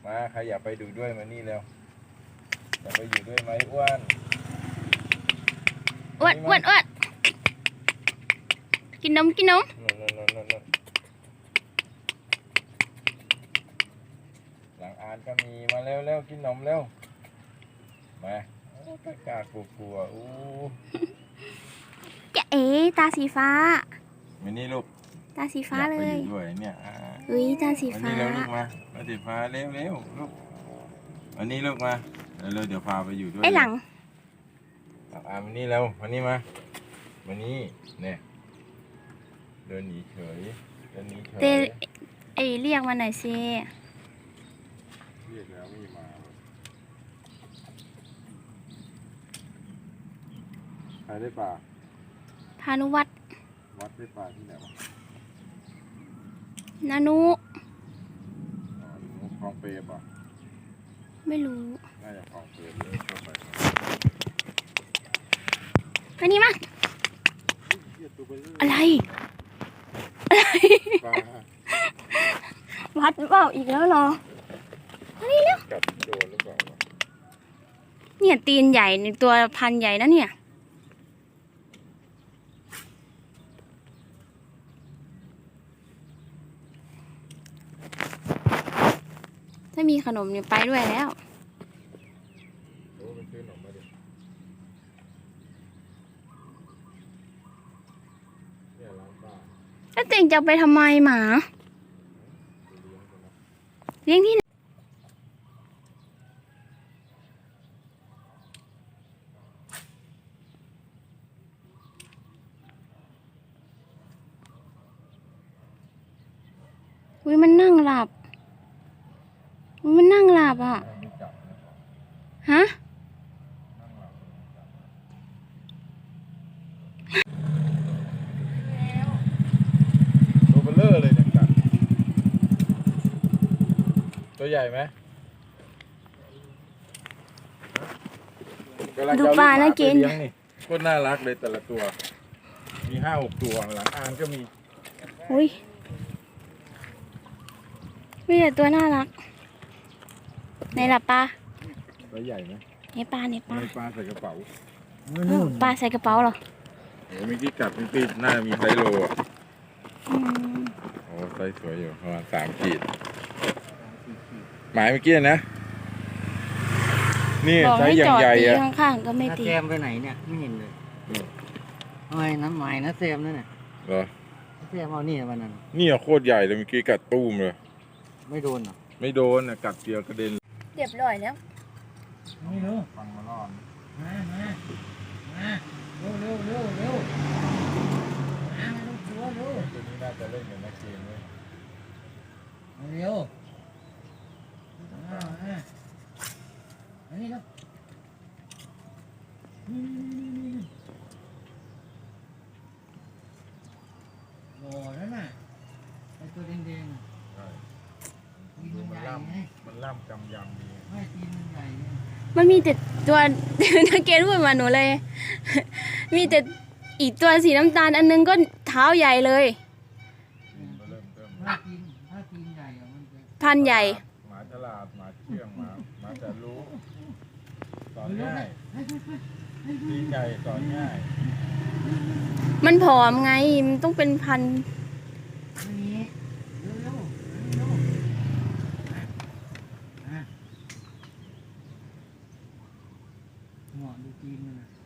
มาใครอยากไปดูด้วยมานี่เร็วอยากไปอยู่ด้วยไหมอ้วนอ้วนกินนมนนหลังอ่านก็มีมาเร็วกินนมเร็วมาตะกากลัวอู้จะตาสีฟ้ามานี่ลูกตาสีฟ้าเลยอยากไปอยู่ด้วยเนี่ยตาสีฟ้าวันนี้เราลูกมาตาสีฟ้าเร็วลูกวันนี้ลูกมาเร็วเดี๋ยวพาไปอยู่ด้วยไอหลังมานี่เร็วมานี่มานี่เนี่ยเดินหนีเฉยเรียกมาหน่อยสิเรียกแล้วไม่มาใครได้ป่าพานุวัดได้ป่าที่ไหนวะนานุคลองเปรย์ป่ะไม่รู้น่าจะคลองเปรย์เลยเข้าไปอันนี้มั้งอะไรวัดเปล่าอีกแล้วเหรอนี่เร็วกัดโดนหรือเปล่าเนี่ยตีนใหญ่ในตัวพันใหญ่นะเนี่ยถ้ามีขนมเนี่ยไปด้วยแล้วแล้วเต็งจะไปทำไมหมาเลี้ยงที่ไหนมันนั่งหลับอ่ะฮะตัวเบลเลอร์เลยเนี่ยกัดตัวใหญ่ไหมดูปลาน่ากินโคตรน่ารักเลยแต่ละตัวมี5-6 ตัวหลังอ่านก็มีอุ้ยมีแต่ตัวน่ารักในหลับปลาตัวใหญ่ไหมในปลาใส่กระเป๋าปลาใส่กระเป๋าเหรอโอ้มีที่กัดมีปีน่ามีไซโลอ่ะโอ้ไซสวยอยู่ประมาณ3 ขีดหมายเมื่อกี้นะนี่ไซส์อย่างใหญ่อะข้างๆก็ไม่ตีแซมไปไหนเนี่ยไม่เห็นเลยทำไมน้ำหมายนะแซมนั่นน่ะเหรอแซมเอานี่วันนั้นนี่โคตรใหญ่เลยเมื่อกี้กัดตุ้มเลยไม่โดนเหรอไม่โดนกัดเดียวกระเด็นเรียบร้อยแล้วไม่รู้ฟังมาล่อมมาเร็วมาลูกตัวนี้น่าจะเล่นกับนักเกมเลยเร็วอันนี้ครับโอ้นั่นน่ะไอตัวแดงมันล่ำกำยำดีไม่ตีนมันใหญ่มันมีแต่ตัวนักเก็ตพูดมาหนูเลยมีแต่อีกตัวสีน้ำตาลอันนึงก็เท้าใหญ่เลยถ้าตีนใหญ่มันจะพันใหญ่หมาฉลาดหมาเชื่องหมาจะรู้สอนง่ายตีนใหญ่สอนง่ายมันผอมไงมันต้องเป็นพันหัวดูตีนมัน